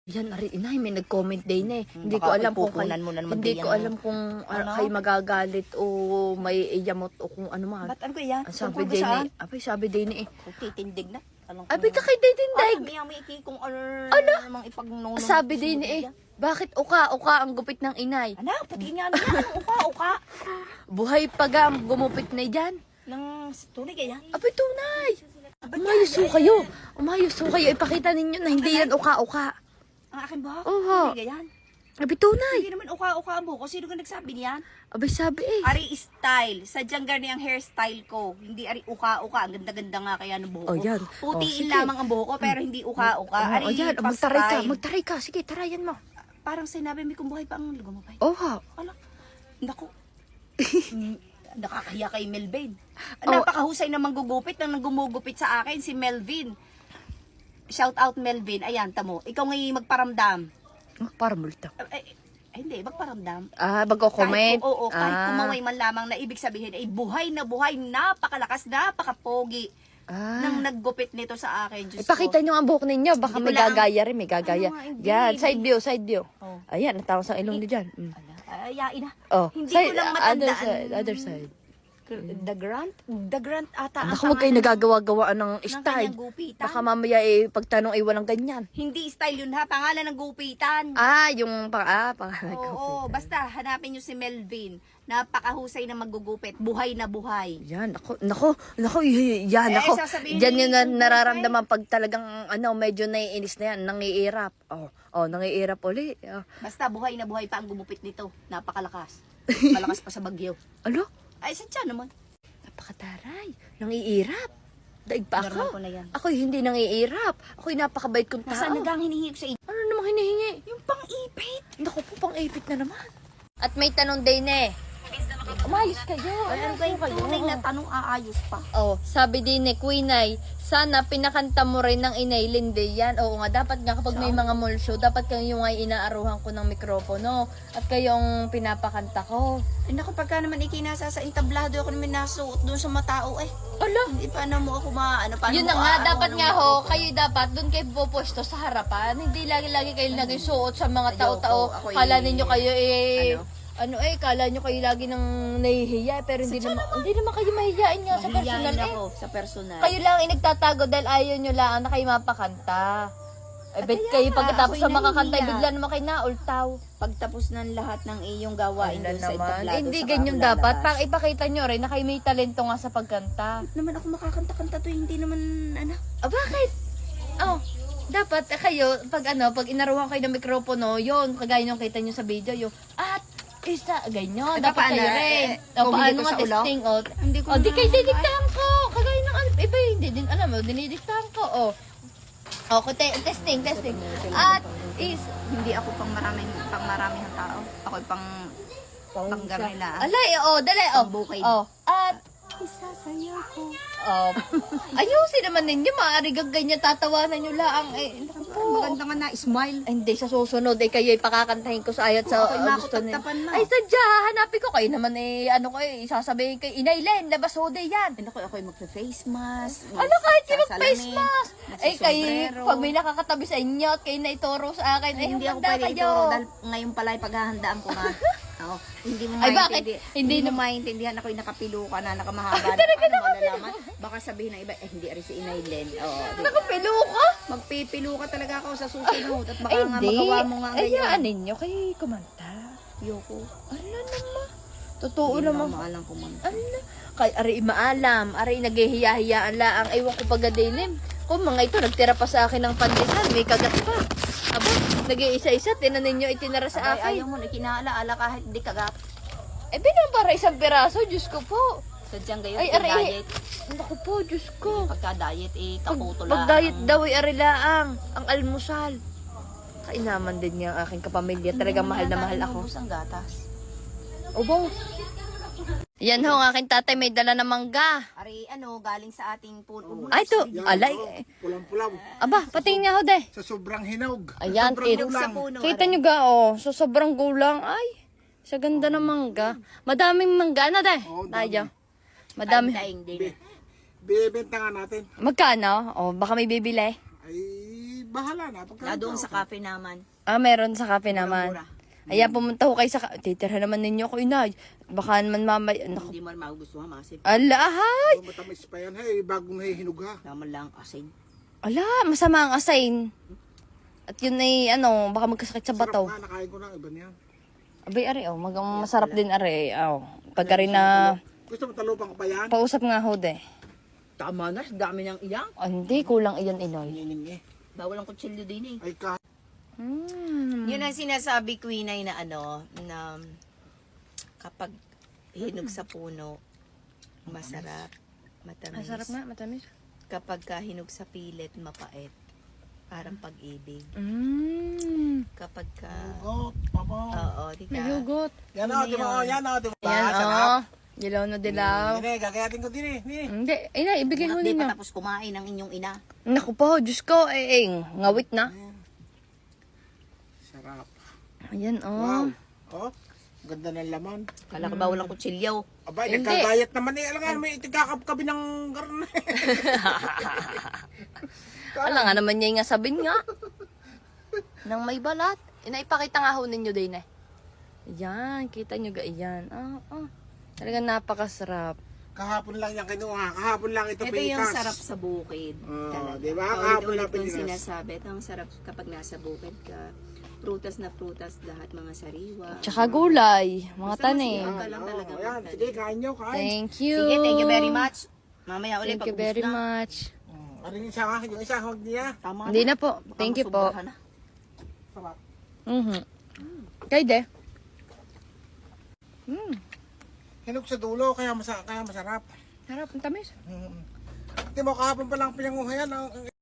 Yan, ari, inay, may nag-comment din eh. Hindi ko Baka alam kung pupunan mo na naman hindi diyan ko mo. alam kung Ano? kayo magagalit o may iyamot o kung ano man. Ba't ano ko yan? Ang sabi Tungkol ba din saan? eh. Abay, sabi din eh. Kung titindig na. Alam ko Abay, na. ka kay Daytinday. May iki kung ano namang ipagnunong. Sabi din eh. Bakit uka ang gupit ng inay? Ano? Pati nga na yan. Anong uka? Buhay pagam, gumupit na yan. Nang tunay kaya? Abay, tunay. Umayos ho kayo. Umayos ho kayo. Ipakita ninyo na hindi yan uka-uka. Ang akin ba? Oho. Tunay kaya yan? Abay, tunay. Hindi naman uka-uka ang buhok ko. Sino ka nagsabi niyan? Abay, sabi eh. Ari style. Sadyang gani ang hairstyle ko. Hindi ari uka-uka. Ang ganda-ganda nga kaya ng buhok ko. Oh, yan. Putiin sige. lamang ang buhok ko pero hindi uka-uka. Ari Oh, yan. Magtaray ka. pa-style. Magtaray ka. Sige, tarayan mo. Parang sinabi mo kung buhay pa ang lumabay. Oha. Ala, naku. Nakakahiya kay Melvin. Oh. Napakahusay na manggugupit nang gumugupit sa akin si Melvin. Shout out Melvin. Ayan, tamo. Ikaw ngayon magparamdam. Para multa. Hindi, magparamdam. Ah, magko-comment. Kahit kumaway man lamang na ibig sabihin ay buhay, napakalakas, napakapogi nang naggupit nito sa akin. Diyos Ipakita ko. nyo ang buhok ninyo. Baka Hindi may ko lang- gagaya rin. May gagaya. Ano nga, hindi. Yan, side view, side view. Oh. Ayan, natawas ang ilong niyo dyan. Ayain na. Oh, Hindi side, ko lang other matandaan. side, other side. The Grant ata. ang Naku, huwag kayo pangalan nagagawa-gawaan ng ng style. kanyang gupitan. Baka mamaya pagtanong ay walang ganyan. Hindi style yun ha, pangalan ng gupitan. Ah, yung pangalan ko. Oo, basta hanapin nyo si Melvin. Napakahusay na maggugupit. Buhay na buhay. Yan, nako, yan, Eh, nako. sasabihin Diyan ni yun Kung nararamdaman pag talagang, medyo naiinis na yan, nangiirap. Nangiirap uli. Basta buhay na buhay pa ang gumupit nito. Napakalakas. Malakas pa sa bagyo. Ano? Ay, sadya naman. Napakataray. Nangiirap. Daig pa Normal ako. ko na yan. Ako'y hindi nangiirap. Ako'y napakabait kong tao. Nasaan nagang hinihingi ko sa inyo? Ano namang hinihingi? Yung pang-ipit. Naku po, pang-ipit na naman. At may tanong din eh. Umayos kayo. Ay, ano kayo tunay na tanong aayos pa. Oh, sabi din ni Queenay, sana pinakanta mo rin ng Inay Linde yan. Oo nga, dapat nga kapag may mga mall show, dapat kayo ay inaaruhan ko ng mikropono at kayong pinapakanta ko. Ay, naku, pagka naman ikinasa sa entablado, ako naman nasuot doon sa matao eh. Ala, Hindi pa na mo ako paano yun na mo nga, aarawan dapat ng nga mga ho, ako? kayo dapat doon kayo pupuesto sa harapan. Hindi lagi-lagi kayo nagsuot sa mga Ayoko, tao-tao. ako Kala eh, ninyo kayo eh, ano? kala nyo kayo lagi nang nahihiya, pero hindi naman kayo mahihiyain nga sa personal Mahihiyain eh. ako sa personal. Kayo lang ay nagtatago dahil ayaw nyo lang na kayo mapakanta. Eh, bet kaya kayo nga, pagkatapos ako'y sa makakanta, nahihiya. bigla naman kayo naultaw. Pagtapos ng lahat ng iyong gawain doon sa entablado, Hindi saka ganyan ako dapat. lalabas. Pang ipakita nyo rin na kayo may talento nga sa pagkanta. Naman ako makakanta-kanta to, hindi naman ano. Bakit? Oh, dapat kayo, pag inaruhan kayo ng mikropono, yun, kagaya nung kita nyo sa video, yung, isa, ganyan, Eh, dapat paano? kayo rin. Kung Paano hindi ko nga sa ulo? testing, Hindi ko di na- kayo didiktahan ko, kagaya ng, iba hindi din, alam mo, dinidiktahan ko, testing. At, Hindi ako pang maraming tao. Ako pang garnila. alay, dali, Pambukid. at, Isasayaw ko. ayusin naman ninyo, maaari ganyan tatawanan nyo lang, naku po. Maganda nga na, smile. Ay, hindi, sa susunod, kayo ipakakantahin ko sa ayat sa Ako'y gusto niyo. makutagtapan na. Ay, sadya, hanapin ko kayo naman sasabihin kayo, Inay Len, labas ho day yan. Ako'y magsa-face mask. Ano kahit kayo mag-face magsasalamin, mask? Ay, kayo, magsasombrero. pag may nakakatabi sa inyo at kayo na ituro sa akin, ay, Hindi ako handa pwede kayo. ituro dahil ngayon pala ay paghahandaan ko nga. Oo. Hindi mo Ay, bakit? Hindi mo maintindihan ako'y nakapiluka na nakamahaba. Ano malalaman? Baka sabihin ng iba, hindi rin si Inay Len. Oo. Nakapilo ka? Magpipilo ka talaga ako sa susunod at baka Ay, nga hindi. magawa mo nga Ay, ngayon. yaan ninyo, kayo kumanta. Yoko. Ano naman? Totoo Hindi naman. na maalam ko man. Ano? Kay ari maalam, ari naghihiya-hiyaan laang aywan ko pagadilim. Kung mga ito nagtira pa sa akin ng pandesal, may kagat pa. Aba, nag-iisa-isa tinan ninyo itinara sa Ay, akin. ayaw mo na kinalaala kahit di kagat. Eh bilang para isang piraso, Diyos ko po. Sadyang gayon, Ay, pag ari, diet. naku po, Diyos ko. Pagka-diet, kaputo lang. Pag diet daw ay ari laang, ang almusal. Kainaman din niya ang aking kapamilya. Talagang mahal na mahal ako. Ubus ang gatas. Obo. Yan ho, ang aking tatay may dala na mangga. Ari, galing sa ating puno. Ay, to, alay. Pulang-pulaw. Aba, patingin nga ho, de. Sa sobrang hinog. Ayan, sobrang kit- gulang. Sa puno. Kita nyo ga, so sobrang gulang. Ay, sa ganda ng mangga. Madaming mangga na, de. Oo, Tayo. Madami. Daing din. Bibenta nga natin. Magkano? Baka may bibili. Ay, bahala na. Na doon sa cafe naman. Meron sa cafe naman. Mura. Ayan, pumunta ko kayo sa... Titira naman ninyo ko, inay. Baka naman mamay... Naku, Hindi mo magugustuhan masin. ala, ahay! Oh, matamis pa yan. Hey, bagong hinog ha. Naman lang asin. Ala, masama ang asain. At yun ay, ano, baka magkasakit sa Sarap bataw. nga, nakain ko na. Iba niyan. Abay, are, masarap din, are. Pagka rin na... Gusto mo talupang ko pa yan? Pausap nga ho, de. Tama na, dami ng iyang. Hindi, kulang iyan, inoy. Nining eh. Bawal ang kutsilyo din eh. Ay ka. Yun ang sinasabi ko inay na na kapag hinog sa puno, masarap, matamis. Masarap nga, matamis. Kapag hinog sa pilit, mapait. Parang pag-ibig. Kapag ka... Oh, papa. Oo, di May ka? hugot. Yan o, di mo. Yan o, di mo. Ayan, Sarap. Dilaw na dilaw. Hindi, gagayatin ko din eh. Ni. Hindi, inay, ibigay ho Di ninyo. pa tapos kumain ng inyong ina. Naku po, Diyos ko, ngawit na. Sarap. Ayan, Wow. Oh, ganda ng laman. Kala ko bawal ang kutsilyo. Abay, Hindi. nagkagayat naman eh. Alam nga, may itigakapkabi ng garne. Ala nga naman niya nga sabihin nga. Nang may balat. Inaipakita nga ho ninyo din eh. Ayan, kita nyo ga, ayan. Talagang napakasarap. Kahapon lang yan kinuha. Kahapon lang ito Ito pitas. yung sarap sa bukid. Oo, di ba? Kahapon Kahapon lang itong pinilas. sinasabi. Ito ang sarap kapag nasa bukid ka. Prutas na prutas, lahat mga sariwa. Tsaka gulay, mga Basta tanim. masarap. Ka lang talaga Ayan, magtanim. sige, kain nyo, kain. Thank you. Sige, thank you very much. Mamaya ulit Thank you pag-ubos very na. much. Aring isa nga, yung isa, huwag niya. Tama Hindi na. na po. Baka Thank you po. masobrahan na. Sarap. Kay de. Hinog sa dulo, kaya masarap. Sarap, ang tamis. Hindi mo kahapon pa lang pinanguha yan. Ang